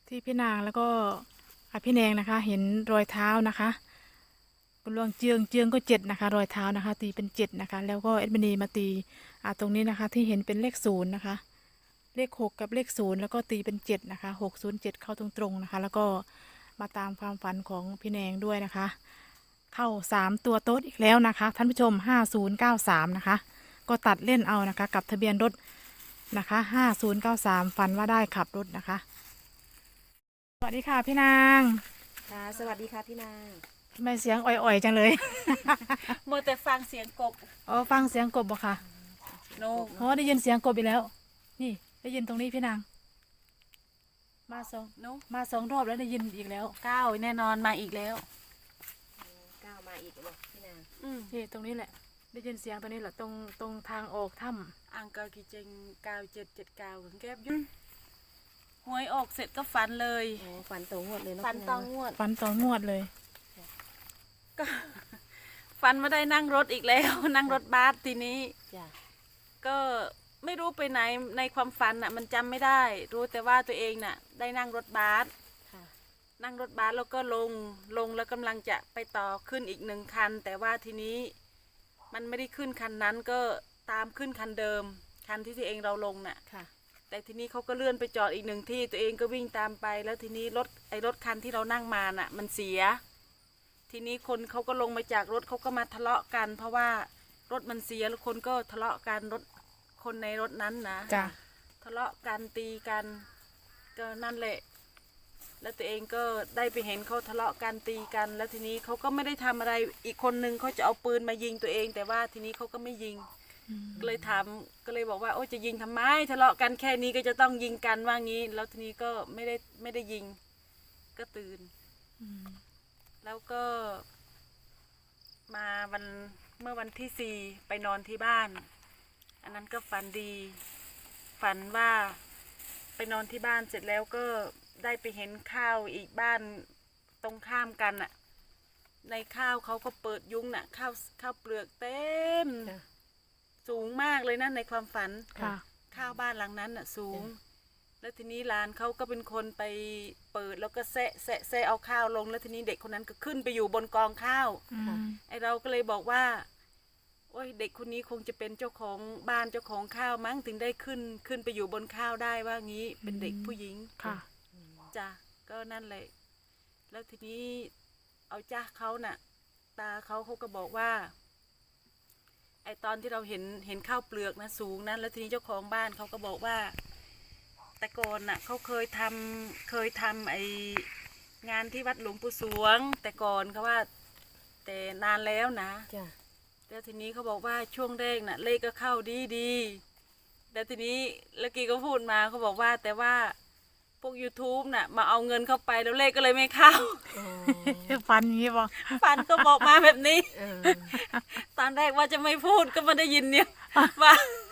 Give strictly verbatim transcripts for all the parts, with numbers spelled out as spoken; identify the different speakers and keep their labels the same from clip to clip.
Speaker 1: ที่พี่นางแล้วก็อ่ะพี่แนงนะคะ เห็นรอยเท้านะคะคุณลวงเจืองเจืองก็เจ็ดนะคะ รอยเท้านะคะ ตีเป็นเจ็ดนะคะ แล้วก็เอ็ดมินีมาตีอ่าตรงนี้นะคะ ที่เห็นเป็นเลขศูนย์นะคะ เลขหกกับเลขศูนย์แล้วก็ตีเป็นเจ็ดนะคะหกศูนย์เจ็ดเข้าตรงๆนะคะ แล้วก็มาตามความฝันของพี่แนงด้วยนะคะ เข้าสามตัวโต๊ดอีกแล้วนะคะ ท่านผู้ชมห้าศูนย์เก้าสามนะคะ ก็ตัดเล่นเอานะคะ กับทะเบียนรถนะคะห้าศูนย์เก้าสามฝันว่าได้ขับรถนะคะ สวัสดีค่ะพี่นาง
Speaker 2: ค่ะสวัสดีค่ะพี่นาง
Speaker 1: ทำไมเสียงอ่อยๆจังเลย
Speaker 3: เมื่อแต่ฟังเสียงกบ
Speaker 1: อ๋อฟังเสียงกบบ่ค่ะ
Speaker 3: โน
Speaker 1: อ๋อได้ยินเสียงกบอีกแล้ว นี่ได้ยินตรงนี้พี่นาง มาสอง
Speaker 3: โน
Speaker 1: มาสองรอบแล้วได้ยินอีกแล้ว
Speaker 3: ก้าวแน่นอนมาอีกแล้ว
Speaker 2: ก้าวมาอีกแล้วบอกพี่นาง
Speaker 3: อืม
Speaker 1: นี่ตรงนี้แหละ ได้ยินเสียงตรงนี้แหละตรงตรงทางออกถ้
Speaker 3: อังกอร์กิเจงก้าวเจ็ดเจ็ดก้าวถึงแก้บยุ่งหวยออกเสร็จก็ฝันเลย
Speaker 2: โอ้ฝันตรงงวดเลยเนาะ
Speaker 3: ฝัน
Speaker 2: พี่
Speaker 3: ต
Speaker 2: นา
Speaker 3: อง งงวด
Speaker 1: ำฟันต่องวดเลย
Speaker 3: ก็ ฝันมาได้นั่งรถอีกแล้ว นั่งรถบัสทีนี้
Speaker 2: จ้ะ
Speaker 3: ก็ไม่รู้ไปไหนในความฝันน่ะ มันจำไม่ได้ รู้แต่ว่าตัวเองน่ะ ได้นั่งรถบัส
Speaker 2: ค่ะ
Speaker 3: นั่งรถบัสแล้วก็ลงลงแล้วกำลังจะไปต่อขึ้นอีกหนึ่งคัน แต่ว่าทีนี้มันไม่ได้ขึ้นคันนั้นก็ตามขึ้นคันเดิม คันที่ตัวเองเราลงน่ะ
Speaker 2: ค่ะ
Speaker 3: แต่ทีนี้เขาก็เลื่อนไปจอดอีกหนึ่งที่ตัวเองก็วิ่งตามไป แล้วทีนี้รถไอ้รถคันที่เรานั่งมาน่ะ มันเสีย ทีนี้คนเขาก็ลงมาจากรถเขาก็มาทะเลาะกัน เพราะว่ารถมันเสียแล้วคนก็ทะเลาะกันรถคนในรถนั้นนะ
Speaker 1: จ้ะ
Speaker 3: ทะเลาะกันตีกันก็นั่นแหละ แล้วตัวเองก็ได้ไปเห็นเขาทะเลาะกันตีกัน แล้วทีนี้เขาก็ไม่ได้ทำอะไรอีกคนนึงเขาจะเอาปืนมายิงตัวเอง แต่ว่าทีนี้เขาก็ไม่ยิง ก็เลยถามก็เลยบอกว่าโอ้จะยิงทำไมทะเลาะกันแค่นี้ก็จะต้องยิงกันว่างี้ แล้วทีนี้ก็ไม่ได้ไม่ได้ยิง ก็ตื่น
Speaker 1: อืม
Speaker 3: แล้วก็ มาวันเมื่อวันที่สี่ไปนอนที่บ้าน อันนั้นก็ฝันดี ฝันว่าไปนอนที่บ้านเสร็จแล้วก็ได้ไปเห็นข้าวอีกบ้านตรงข้ามกันน่ะ ในข้าวเขาก็เปิดยุ้งน่ะข้าวข้าวเปลือกเต็ม
Speaker 2: จ้ะ
Speaker 3: สูงมากเลยนะในความฝัน
Speaker 1: ค่ะ
Speaker 3: ข้าวบ้านหลังนั้นน่ะสูง แล้วทีนี้หลานเขาก็เป็นคนไปเปิดแล้วก็แซะแซะแซะเอาข้าวลง แล้วทีนี้เด็กคนนั้นก็ขึ้นไปอยู่บนกองข้าว
Speaker 1: อืม
Speaker 3: ไอเราก็เลยบอกว่า โอ้ยเด็กคนนี้คงจะเป็นเจ้าของบ้านเจ้าของข้าวมั้งถึงได้ขึ้นขึ้นไปอยู่บนข้าวได้ว่างี้ เป็นเด็กผู้หญิง
Speaker 1: ค่ะ
Speaker 3: จ้ะก็นั่นแหละ แล้วทีนี้เอาจ้าเขาน่ะ ตาเขาเขาก็บอกว่า ไอตอนที่เราเห็นเห็นข้าวเปลือกนะสูงนะแล้วทีนี้เจ้าของบ้านเขาก็บอกว่า แต่ก่อนน่ะเขาเคยทำเคยทำไองานที่วัดหลวงปู่สวง แต่ก่อนเขาว่า แต่นานแล้วนะ
Speaker 2: จ้ะ
Speaker 3: แล้วทีนี้เขาบอกว่าช่วงแรกน่ะ เลขก็เข้าดีดีแล้วทีนี้แล้วกีก็พูดมาเขาบอกว่า แต่ว่าพวก YouTube น่ะ มาเอาเงินเข้าไปแล้วเลขก็เลยไม่เข้า
Speaker 2: อ๋อ
Speaker 1: ฟันอย่างนี้บ่
Speaker 3: ฟันก็บอกมาแบบนี้
Speaker 2: เออ
Speaker 3: ตอนแรกว่าจะไม่พูดก็มาได้ยินเนี่ย ว่า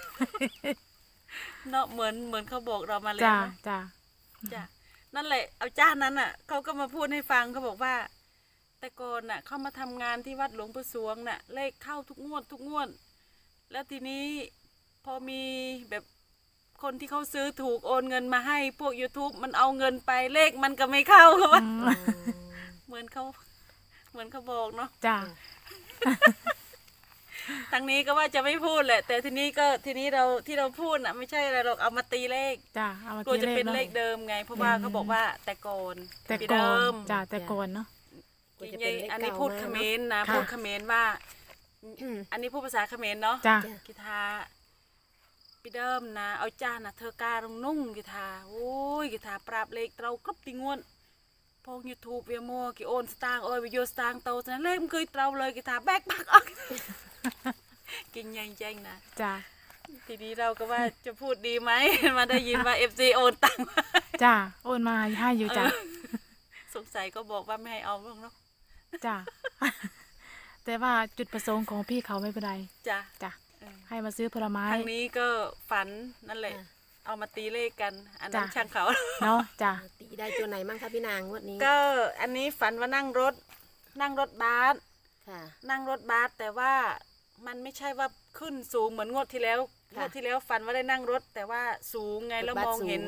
Speaker 3: เนาะเหมือนเหมือนเขาบอกเรามาเลย
Speaker 1: จ้ะ
Speaker 3: นะ
Speaker 1: จ้ะ
Speaker 3: จ้ะนั่นแหละเอาจ้านั้นอ่ะเขาก็มาพูดให้ฟังเขาบอกว่า แต่ก่อนน่ะเขามาทำงานที่วัดหลวงปู่สวงน่ะ เลขเข้าทุกงวดทุกงวด แล้วทีนี้พอมีแบบคนที่เขาซื้อถูกโอนเงินมาให้พวก YouTube มันเอาเงินไปเลขมันก็ไม่เข้าเขาว่า
Speaker 1: อืม
Speaker 2: อ๋อ
Speaker 3: เหมือนเขาเหมือนเขาบอกเนาะ
Speaker 1: จ้ะ
Speaker 3: ทางนี้ก็ว่าจะไม่พูดแหละ แต่ทีนี้ก็ทีนี้เราที่เราพูดน่ะไม่ใช่อะไรหรอกเอามาตีเลข
Speaker 1: จ้ะเอามาก
Speaker 3: ลัว
Speaker 1: ตี
Speaker 3: จะ
Speaker 1: เลข
Speaker 3: เป็น
Speaker 1: เนาะ
Speaker 3: เลขเดิมไง เพราะว่า
Speaker 1: อืม
Speaker 3: เขาบอกว่าแต่ก่อน
Speaker 1: แต่
Speaker 3: ปี
Speaker 1: ก่อ
Speaker 3: เดิ
Speaker 1: น
Speaker 3: ม
Speaker 1: จ้ะแต่ก่อนเนาะ
Speaker 2: กลัวจะ
Speaker 3: ยั
Speaker 2: เป็น
Speaker 3: ง
Speaker 2: เลข
Speaker 3: อันนี้
Speaker 2: เก่า
Speaker 3: พูด
Speaker 2: มา
Speaker 3: เขม
Speaker 2: เนาะ
Speaker 3: รนะ
Speaker 1: ค่ะ
Speaker 3: พูดเขมรว่า อันนี้พูดภาษาเขมรเนาะ
Speaker 1: จ้ะ
Speaker 2: จ้ะ
Speaker 3: กีทาปีเดิมนะเอาจ้านะเธอการงนุ่งกีทาโอ้ยกีทาปราบเลขเรากรบติงวนพงยูทูบเวียมัวกีโอนสตางค์โอ้ยวิโยสตางค์โตฉะนั้นเลขมันเคยเราเลยกีทาแบกปักออก กินยังแจ้งนะ
Speaker 1: จ้ะ
Speaker 3: ทีนี้เราก็ว่าจะพูดดีไหม มาได้ยินว่าเอฟซีโอนตังค์มา
Speaker 1: จ้ะโอนมาให้อยู่จ้ะ
Speaker 3: สงสัยก็บอกว่าไม่ให้เอาเนาะ
Speaker 1: จ้ะ แต่ว่าจุดประสงค์ของพี่เขาไม่เป็นไร
Speaker 3: จ้ะ
Speaker 1: จ้ะ
Speaker 3: เออ
Speaker 1: ให้มาซื้อผลไม้
Speaker 3: ทางนี้ก็ฝันนั่นแหละ
Speaker 2: จ้ะ
Speaker 3: เอามาตีเลขกัน อันนั้น
Speaker 1: จ้ะ
Speaker 3: ช่างเขา
Speaker 1: เนาะจ้ะ
Speaker 2: ตีได้ตัวไหนมั่งคะพี่นางงวดนี้
Speaker 3: ก็อันนี้ฝันว่านั่งรถ นั่งรถบัส
Speaker 2: ค่ะ
Speaker 3: นั่งรถบัสแต่ว่ามันไม่ใช่ว่าขึ้นสูงเหมือนงวดที่แล้วง
Speaker 2: ค่ะ
Speaker 3: วดที่แล้วฝันว่าได้นั่งรถ แต่ว่าสูงไงแล้ว
Speaker 2: รถบัส
Speaker 3: มองเห็น
Speaker 2: สูงเนอะ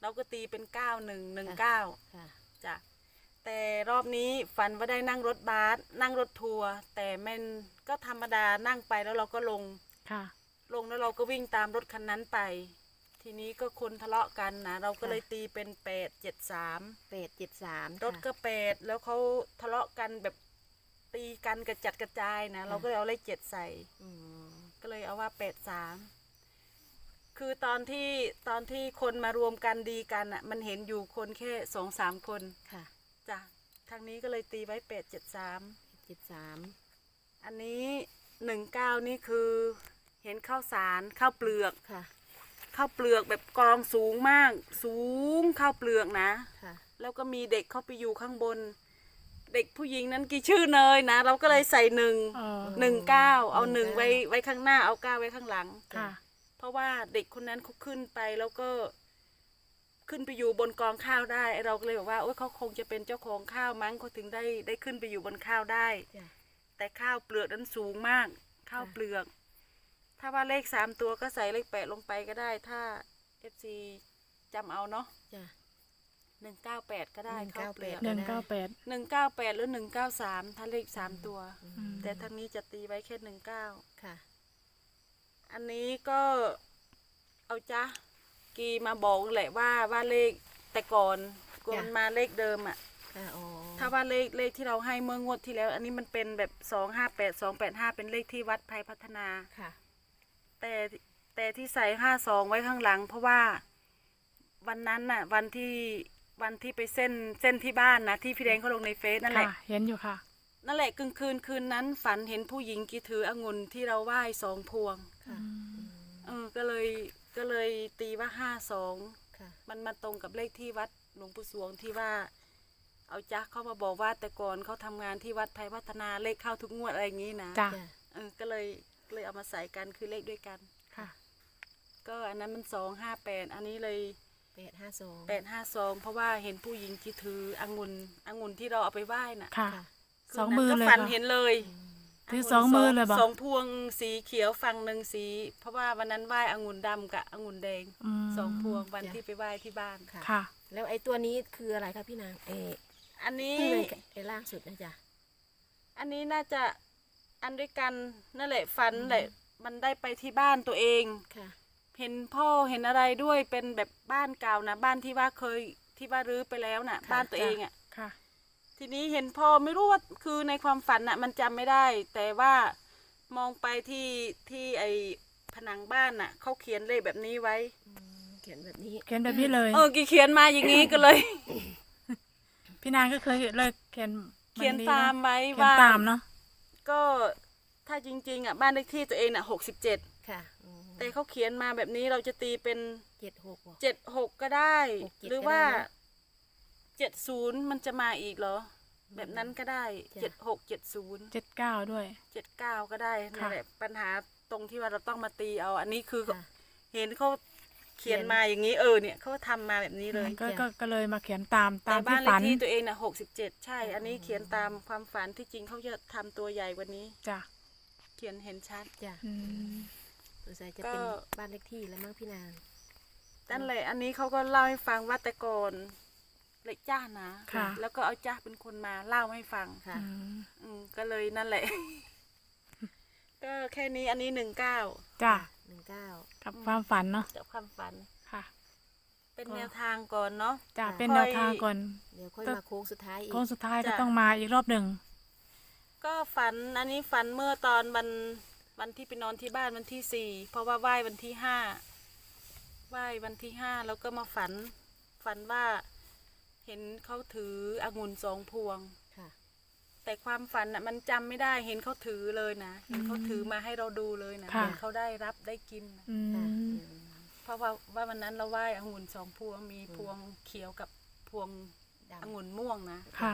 Speaker 3: เราก็ตีเป็นเก้าหนึ่งหนึ่งเก้า
Speaker 2: ค่ะ
Speaker 3: จ้ะแต่รอบนี้ฝันว่าได้นั่งรถบัสนั่งรถทัวร์แต่มันก็ธรรมดานั่งไปแล้วเราก็ลง
Speaker 1: ค่ะ
Speaker 3: ลงแล้วเราก็วิ่งตามรถคันนั้นไป ทีนี้ก็คนทะเลาะกันนะเราก็เลยตีเป็นแปดเจ็ดสาม
Speaker 2: แปดเจ็ดสาม
Speaker 3: รถก็แปดแล้วเขาทะเลาะกันแบบตีกันกระจัดกระจายนะเราก็เลยเอาเลขเจ็ดใส่
Speaker 2: อืม
Speaker 3: ก็เลยเอาว่าแปดสามคือตอนที่ตอนที่คนมารวมกันดีกันอ่ะมันเห็นอยู่คนแค่สองสามคน
Speaker 2: ค่ะ
Speaker 3: จ้ะทางนี้ก็เลยตีไว้แปดเจ็ดสาม
Speaker 2: เจ็ดสาม
Speaker 3: อันนี้หนึ่งเก้านี่คือเห็นข้าวสารข้าวเปลือก
Speaker 2: ค่ะ
Speaker 3: ข้าวเปลือกแบบกองสูงมาก สูงข้าวเปลือกนะ
Speaker 2: ค่ะ
Speaker 3: แล้วก็มีเด็กเข้าไปอยู่ข้างบน เด็กผู้หญิงนั้นกี่ชื่อเนยนะ เราก็เลยใส่หนึ่ง
Speaker 1: เออ
Speaker 3: หนึ่งเก้าเอา
Speaker 2: ห
Speaker 3: ห
Speaker 2: นึ่
Speaker 3: นึ่
Speaker 2: ง
Speaker 3: ง
Speaker 2: เก้า
Speaker 3: ไว้ไว้ข้างหน้าเอาเก้าไว้ข้างหลัง
Speaker 1: ค่ะ
Speaker 3: เพราะว่าเด็กคนนั้นเขาขึ้นไปแล้วก็ขึ้นไปอยู่บนกองข้าวได้ไอ้เราก็เลยบอกว่าโอ๊ยเขาคงจะเป็นเจ้าของข้าวมั้งเขาถึงได้ได้ขึ้นไปอยู่บนข้าวได้
Speaker 2: จ้ะ
Speaker 3: แต่ข้าวเปลือกนั้นสูงมาก ข้าว
Speaker 2: ค่ะ
Speaker 3: เปลือก ถ้าว่าเลขสามตัวก็ใส่เลขแปดลงไปก็ได้ ถ้าเอฟซีจำเอาเนาะ
Speaker 2: จ้ะ
Speaker 3: หนึ่งเก้าแปดก็ได้ข้าวเปลือก
Speaker 1: หนึ่งเก้าแปด
Speaker 3: หนึ่งเก้าแปดหรือหนึ่งเก้าสามถ้าเลขสามตัว
Speaker 2: อื
Speaker 1: อื
Speaker 2: ม
Speaker 1: ม
Speaker 3: แต่ทางนี้จะตีไว้แค่หนึ่งเก้า
Speaker 2: ค่ะ
Speaker 3: อันนี้ก็เอาจ้ะกีมาบอกแหละว่าว่าเลขแต่ก่อนกวนมาเลขเดิมอ่ะ
Speaker 2: ค่ะอ๋อ
Speaker 3: ถ้าว่าเลขเลขที่เราให้เมื่องวดที่แล้ว อันนี้มันเป็นแบบสองห้าแปดสองแปดห้าเป็นเลขที่วัดไทยพัฒนา
Speaker 2: ค่ะ
Speaker 3: แต่แต่ที่ใส่ห้าสองไว้ข้างหลัง เพราะว่าวันนั้นน่ะ วันที่วันที่ไปเส้นเส้นที่บ้านนะที่พี่แดงเขาลงในเฟซนั่นแห
Speaker 1: ค่ะ
Speaker 3: ละ
Speaker 1: เห็นอยู่ค่ะ
Speaker 3: นั่นแหละกลางคืนคืนนั้นฝันเห็นผู้หญิงกีถือองุ่นที่เราไหว้สองพวง
Speaker 2: ค่ะ
Speaker 1: อืม
Speaker 3: เออก็เลยก็เลยตีว่าห้าสอง
Speaker 2: ค่ะ
Speaker 3: มันมาตรงกับเลขที่วัดหลวงปู่สวงที่ว่า เอาจักเข้ามาบอกว่าแต่ก่อนเขาทำงานที่วัดไทยพัฒนาเลขเข้าทุกงวดอะไรอย่างนี้นะ
Speaker 1: จ้ะ
Speaker 2: จ้ะ
Speaker 3: เออก็เลยก็เลยเอามาใส่กันคือเลขด้วยกัน
Speaker 1: ค่ะ
Speaker 3: ก็อันนั้นมันสองห้าแปดอันนี้เลย
Speaker 2: แปดห้าสอง
Speaker 3: แปดห้าสองเพราะว่าเห็นผู้หญิงที่ถือองุ่นองุ่นที่เราเอาไปไหว้น่ะ
Speaker 1: ค่ะ
Speaker 2: ค่ะ
Speaker 1: สองมือเลย
Speaker 3: ก็ฝัน
Speaker 1: ค่ะ
Speaker 3: เห็นเลย
Speaker 1: ถือสองมือเลยบ่
Speaker 3: สองพวงสีเขียวฝั่งหนึ่งสี เพราะว่าวันนั้นไหว้องุ่นดำกับองุ่นแดง
Speaker 1: ม
Speaker 3: สองพวงวันที่ไปไหว้ที่บ้าน
Speaker 2: ค่ะ
Speaker 1: ค่ะ
Speaker 2: แล้วไอ้ตัวนี้คืออะไรคะพี่นางเอ
Speaker 3: อันนี้
Speaker 2: ที่ในไอ้ล่างสุดนะจ๊ะ
Speaker 3: อันนี้น่าจะอันด้วยกันนั่นแหละฝันแหละมันได้ไปที่บ้านตัวเอง
Speaker 2: ค่ะ
Speaker 3: เห็นพ่อเห็นอะไรด้วยเป็นแบบบ้านเก่านะบ้านที่ว่าเคยที่ว่ารื้อไปแล้วน่ะ
Speaker 2: ค่ะ
Speaker 3: บ้านตัวเองอ่ะ
Speaker 1: ค่ะ
Speaker 3: ทีนี้เห็นพ่อไม่รู้ว่าคือในความฝันน่ะ มันจำไม่ได้ แต่ว่ามองไปที่ที่ไอผนังบ้านน่ะเขาเขียนเลขแบบนี้ไว้
Speaker 2: อืมเขียนแบบนี้
Speaker 1: เขียนแบบนี้เลย
Speaker 3: เออกี่เขียนมาอย่างนี้ก็เลย
Speaker 1: พี่นางก็เคยเลยเขียน
Speaker 3: เขียน
Speaker 1: แบบ
Speaker 3: ตาม
Speaker 1: เนอะ
Speaker 3: ไว้
Speaker 1: เขียน
Speaker 3: ว่า
Speaker 1: ตามเนาะ
Speaker 3: ก็ถ้าจริงๆอ่ะบ้านเลขที่ตัวเองน่ะหกสิบเจ็ด
Speaker 2: ค่ะอืม
Speaker 3: แต่เขาเขียนมาแบบนี้เราจะตีเป็น
Speaker 2: เจ็ดหกบอก
Speaker 3: เจ็ดหกก็ได้
Speaker 2: หกเจ็ด
Speaker 3: หรือว่า
Speaker 2: ก็ได้นะ
Speaker 3: เจ็ดศูนย์มันจะมาอีกเหรอ แบบนั้นก็ได้
Speaker 2: จ้ะ
Speaker 3: เจ็ดหกเจ็ดศูนย์
Speaker 1: เจ็ดเก้าด้วย
Speaker 3: เจ็ดเก้าก็ได้นั่
Speaker 1: ค่ะ
Speaker 3: นแหละปัญหาตรงที่ว่าเราต้องมาตีเอา อันนี้คือ
Speaker 2: ค่ะ
Speaker 3: เห็นเขาเขียนมาอย่างนี้เออเนี่ยเขาทำมาแบบนี้เลย
Speaker 1: ก็
Speaker 2: จ้ะ
Speaker 1: ก็ก็เลยมาเขียนตามตา
Speaker 3: แต่
Speaker 1: ม
Speaker 3: บ้า
Speaker 1: ที่
Speaker 3: นเลข
Speaker 1: ฝัน
Speaker 3: ที่ตัวเองน่ะหกสิบเจ็ดใช่ อันนี้เขียนตามความฝันที่จริงเขาจะทำตัวใหญ่กว่านี้
Speaker 1: จ้ะ
Speaker 3: เขียนเห็นชัด
Speaker 2: จ้ะ
Speaker 1: อืม
Speaker 2: สงสัยจะ
Speaker 3: ก็
Speaker 2: เป็นบ้านเลขที่แล้วมั้งพี่นาง
Speaker 3: นั่นแหละอันนี้เขาก็เล่าให้ฟังว่าแต่ก่อนเล็กจ้านะ
Speaker 1: ค่ะ
Speaker 3: แล้วก็เอาจ้าเป็นคนมาเล่าให้ฟัง
Speaker 2: ค่ะ
Speaker 1: อืม
Speaker 3: อืมก็เลยนั่นแหละ ก็แค่นี้อันนี้หนึ่งเก้า
Speaker 1: จ้ะ
Speaker 2: หนึ่งเก้า
Speaker 1: กับความฝันเนาะ
Speaker 3: จากความฝัน
Speaker 1: ค่ะ
Speaker 3: เป็น
Speaker 1: ก็
Speaker 3: แนวทางก่อนเนาะ
Speaker 1: จ้ะ
Speaker 2: ค่ะ
Speaker 1: เป็นแนวทางก่อน
Speaker 2: เดี๋ยวค่อย
Speaker 1: ก็
Speaker 2: มาโค้งสุดท้ายอีก
Speaker 1: โค้งสุดท้ายก็
Speaker 3: จ้ะ
Speaker 1: ต้องมาอีกรอบหนึ่ง
Speaker 3: ก็ฝันอันนี้ฝันเมื่อตอนวันวันที่ไปนอนที่บ้านวันที่สี่เพราะว่าไหว้วันที่ห้าไหว้วันที่ห้าแล้วก็มาฝัน ฝันว่าเห็นเขาถือองุ่นสองพวง
Speaker 2: ค่ะ
Speaker 3: แต่ความฝันน่ะมันจำไม่ได้เห็นเขาถือเลยนะเห็นเขาถือมาให้เราดูเลยนะ
Speaker 1: ค่ะ
Speaker 3: เห็นเขาได้รับได้กินนะ
Speaker 1: อื
Speaker 2: ค่ะ
Speaker 1: ม
Speaker 2: อืม
Speaker 3: เพราะว่าว่าวันนั้นเราไหว้องุ่นสองพวงมีพวงเขียวกับพวง
Speaker 2: ดำ
Speaker 3: องุ่นม่วงนะ
Speaker 1: ค่ะ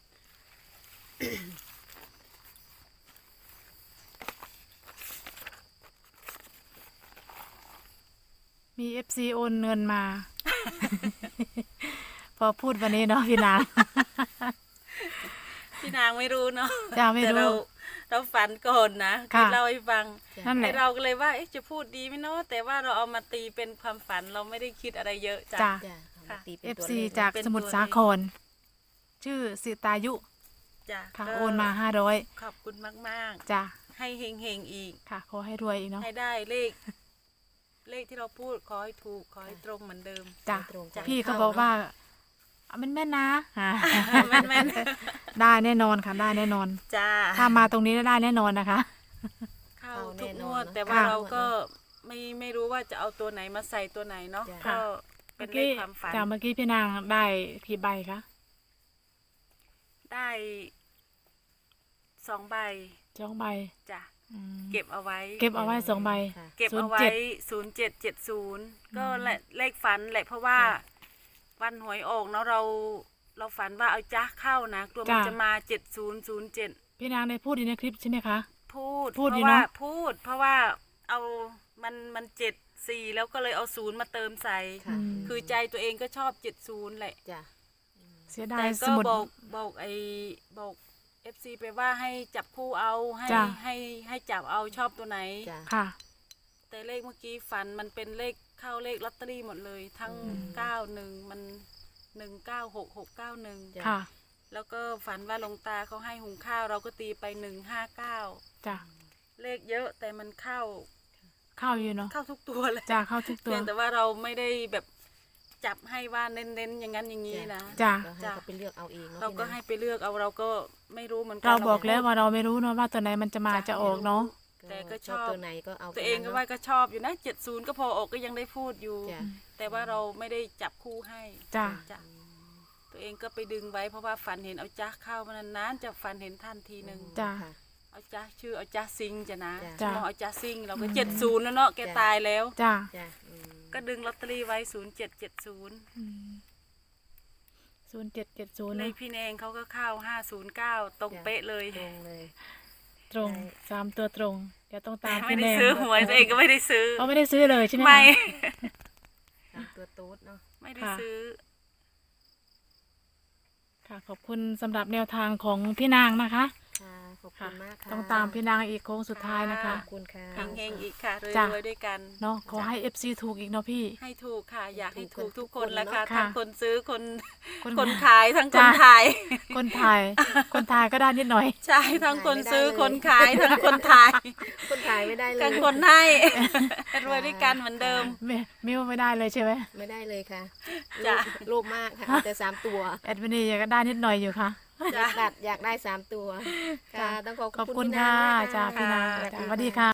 Speaker 1: มีเอฟซีโอนเงินมา พอพูดวันนี้เนาะพี่นาง
Speaker 3: พี่นางไม่รู้เนาะ
Speaker 1: จ้าไม่
Speaker 3: แต่
Speaker 1: รู้
Speaker 3: เราเราฝันก่อนนะ
Speaker 1: ค่ะ
Speaker 3: เล่าให้ฟัง
Speaker 1: นั่นแห
Speaker 3: ไอ
Speaker 1: ละ
Speaker 3: เราก็เลยว่าเอ๊ะจะพูดดีไหมเนาะแต่ว่าเราเอามาตีเป็นความฝันเราไม่ได้คิดอะไรเยอะจ้ะ
Speaker 1: จ้ะ
Speaker 2: จ้ะ
Speaker 3: ค่ะ
Speaker 2: ตีเป็น
Speaker 1: เอฟ
Speaker 2: ตัว
Speaker 1: ซี
Speaker 2: เลข
Speaker 1: จาก
Speaker 3: เป็น
Speaker 1: สมุทร
Speaker 3: ตัว
Speaker 1: สา
Speaker 3: เลข
Speaker 1: คร ชื่อสิตายุ
Speaker 3: จ้ะ
Speaker 1: ค่ะ
Speaker 3: ก็
Speaker 1: โอนมาห้าร้อย
Speaker 3: ขอบคุณมาก
Speaker 1: จ้ะ
Speaker 3: ๆ ให้เฮงๆอีก
Speaker 1: ค่ะ ขอให้รวยอีกเนาะ
Speaker 3: ให้ได้เลข เลขที่เราพูดขอให้ถูกขอให้ตรงเหมือนเดิม
Speaker 1: จ้ะ
Speaker 2: ตรง
Speaker 1: พี่ก็บอกว่าเอาแม่นๆนะอ่า
Speaker 3: แม่น
Speaker 1: ได้แน่นอนค่ะได้แน่นอน
Speaker 3: ๆจ้า
Speaker 1: ถ้ามาตรงนี้ได้แน่นอนนะคะ
Speaker 3: เข้าทุกงวด แต่ว่า
Speaker 1: ค่ะ
Speaker 3: เราก็ไม่ไม่รู้ว่าจะเอาตัวไหนมาใส่ตัวไหนเนาะ
Speaker 1: ค่ะ
Speaker 3: ก็เป็นเลขความฝัน
Speaker 1: จากเมื่อกี้พี่นางได้กี่ใบคะ
Speaker 3: ได้สองใบ
Speaker 1: สองใบ
Speaker 3: จ้ะ
Speaker 1: อืม
Speaker 3: เก็บเอาไว้
Speaker 1: เก็บเอาไว้สองใบ
Speaker 2: ค่ะ
Speaker 3: เก็บเอาไว้ศูนย์เจ็ดเจ็ดศูนย์ก็แหละเลขฝันแหละเพราะว่า วันหวยออกเนาะเราเราฝันว่าเอาจ้าเข้านะกลัวมัน
Speaker 1: จ้ะ
Speaker 3: จะมาเจ็ดศูนย์ศูนย์เจ็ด
Speaker 1: พี่นางได้พูดอยู่ในคลิปใช่ไหมคะ
Speaker 3: พูด
Speaker 1: พูด
Speaker 3: เพ
Speaker 1: อยู่
Speaker 3: ราะว่า
Speaker 1: เนอะ
Speaker 3: พูด เพราะว่าเอามันมันเจ็ดสี่แล้วก็เลยเอาศูนย์มาเติมใส่
Speaker 2: ค่ะ
Speaker 1: อืม
Speaker 3: คือใจตัวเองก็ชอบเจ็ดศูนย์แหละ
Speaker 2: จ้ะ
Speaker 1: เสียดา
Speaker 3: แต่
Speaker 1: ยส
Speaker 3: ก็
Speaker 1: มุด
Speaker 3: บอกบอกไอ้บอกเอฟซีไปว่าให้จับคู่เอาให้
Speaker 1: จ้ะ
Speaker 3: ให้ให้จับเอาชอบตัวไหน
Speaker 2: จ้ะ
Speaker 1: ค่ะ
Speaker 3: แต่เลขเมื่อกี้ฝันมันเป็นเลขเข้าเลขลอตเตอรี่หมดเลย ทั้ง
Speaker 2: อืม
Speaker 3: เก้าหนึ่งมันหนึ่งเก้าหกหกเก้าหนึ่ง
Speaker 2: จ้ะ
Speaker 1: ค่ะ
Speaker 3: แล้วก็ฝันว่าหลวงตาเขาให้หุงข้าวเราก็ตีไปหนึ่งห้าเก้า
Speaker 1: จ้ะ
Speaker 3: เลขเยอะแต่มันเข้า
Speaker 1: เข้าอยู่เนาะ
Speaker 3: เข้าทุกตัวเลย
Speaker 1: จ้ะเข้าทุกตัว
Speaker 3: เพียงแต่ว่าเราไม่ได้แบบจับให้ว่าเน้นๆอย่างนั้นอย่างนี้นะ
Speaker 1: จ้ะ
Speaker 2: ก็ให้เขาไปเลือกเอาเองเนาะ
Speaker 3: เราก็
Speaker 2: พี่น
Speaker 3: ให้ไปเลือกเอาเราก็ไม่รู้เหมือนกั
Speaker 1: เราบอก
Speaker 3: พูด
Speaker 1: แล้วว่าเราไม่รู้เนาะว่าตัวไหนมันจะมาจะออกเนาะ
Speaker 3: แต่ก็ชอบ
Speaker 2: ตัวไหนก็เอา
Speaker 3: ตัวเองก็ว่าก็ชอบอยู่นะเจ็ดศูนย์ก็พอออกก็ยังได้พูดอยู่
Speaker 2: จ้ะ
Speaker 3: แต่ว่าเราไม่ได้จับคู่ให้
Speaker 1: จ้ะ
Speaker 3: จ้ะตัวเองก็ไปดึงไว้เพราะว่าฝันเห็นเอาจ้าเข้ามานานๆจะฝันเห็นท่านทีหนึ่ง
Speaker 1: จ้ะ
Speaker 2: ค่ะ
Speaker 3: เอาจ้าชื่อเอาจ้าซิงจะนะ
Speaker 2: จ้ะ
Speaker 3: มองเอาจ้าซิงเราก็เจ็ดศูนย์แล้วเนาะแกตายแล้ว
Speaker 1: จ้ะ
Speaker 2: จ้ะอืม
Speaker 3: ก็ดึงลอตเตอรี่ไว้ศูนย์เจ็ดเจ็ดศูนย์
Speaker 1: ศูนย์เจ็ดเจ็ดศูนย์
Speaker 3: เลขพี่แนงเขาก็เข้าห้าศูนย์เก้าตรงเป๊ะเลย
Speaker 2: ตรงเลย
Speaker 1: ตรงสามตัวตรงเดี๋ยวต้องตาม
Speaker 3: ไม่
Speaker 1: พี่
Speaker 3: ได้
Speaker 1: แนง
Speaker 3: ซื้อหวยตัวเองก็ไม่ได้ซื้อ
Speaker 1: เขาไม่ได้ซื้อเลยใช่ไหมคะ
Speaker 3: ไม่
Speaker 2: ตามตัวตูดเนาะ
Speaker 3: ไม่ได้
Speaker 1: ค่ะ
Speaker 3: ซื้อ
Speaker 1: ค่ะ ขอบคุณสำหรับแนวทางของพี่นางนะคะ
Speaker 2: ค่ะขอบคุ
Speaker 1: ค่ะ
Speaker 2: ณมากค่ะ
Speaker 1: ต้องตามพี่นางอีกโค้งสุดท้ายนะคะ
Speaker 2: ขอบคุณค่ะ
Speaker 3: เฮงๆอีกค่ะร
Speaker 1: จ้ะ
Speaker 3: วยๆด้วยกัน
Speaker 1: เนาะขอให้เอฟซีถูกอีกเนาะพี่
Speaker 3: ให้ถูกค่ะ อยากให้
Speaker 2: ถู
Speaker 3: ถู
Speaker 2: ก
Speaker 3: ก
Speaker 2: ทุ
Speaker 3: ทุ
Speaker 2: ก
Speaker 3: ก
Speaker 2: ค
Speaker 3: คน นละค่ะ
Speaker 1: ค่ะ
Speaker 3: ทั้งคนซื้อคน
Speaker 1: คน
Speaker 3: คนขายทั้งคน
Speaker 1: จ้ะ
Speaker 3: ถ่าย
Speaker 1: คนถ่าย คนถ่ายก็ได้นิดหน่อย
Speaker 3: ใช่ทั้งคนซื้อคนขายทั้งคนถ่าย
Speaker 2: คนถ่ายไม่ได้เลย
Speaker 3: ทั้งคนให้ รวยด้วยกันเหมือนเดิม
Speaker 1: ไม่ไม่ว่าไม่ได้เลยใช่ไหม
Speaker 2: ไม่ได้เลยค่ะ
Speaker 3: จ้ะ
Speaker 2: โลภมากค่ะเอาแต่สามตัว
Speaker 1: แอดมินีก็ได้นิดหน่อยอยู่ค่ะ
Speaker 2: อยากดัดอยากได้สามตัว ค่ะ ต้องขอบ
Speaker 1: ขอบ
Speaker 2: คุ
Speaker 1: คุณ ณ
Speaker 2: พี่นาง
Speaker 1: ค่ะ
Speaker 2: มาก
Speaker 1: จ้าพี่นาง
Speaker 2: ค่ะ
Speaker 1: จ้าสวัสดีค่ะ